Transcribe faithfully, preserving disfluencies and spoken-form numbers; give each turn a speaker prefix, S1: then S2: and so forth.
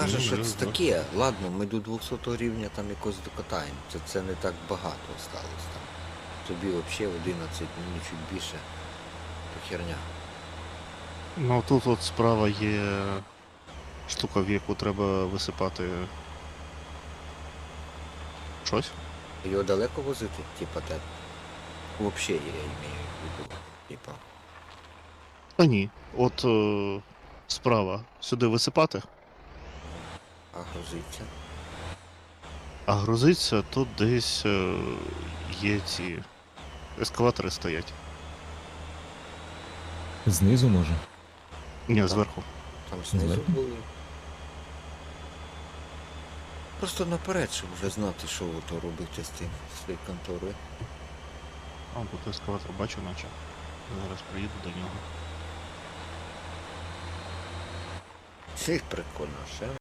S1: каже,
S2: Ну,
S1: що
S2: да,
S1: це
S2: да.
S1: таке. Ладно, ми до двохсотого рівня там якось докатаємо. Це, це не так багато осталось там. Тобі взагалі одинадцять, мені чуть більше. То херня.
S2: Ну тут от справа є штука, в яку треба висипати щось.
S1: Його далеко возити? Типа так. Вообще я имею в виду. Типа.
S2: Та ні. От е, справа сюди висипати,
S1: А грузиться.
S2: а грузиться тут десь е, є ці ескалатори стоять.
S3: Знизу може.
S2: Ні,
S1: Так.
S2: зверху.
S1: Там знизу
S3: Зверху?
S1: були. Просто наперед, щоб вже знати, що ото робити з тим, з цією конторою.
S2: А тут ескалатор бачу, наче. Зараз приїду до нього.
S1: Всіх прикольно, ще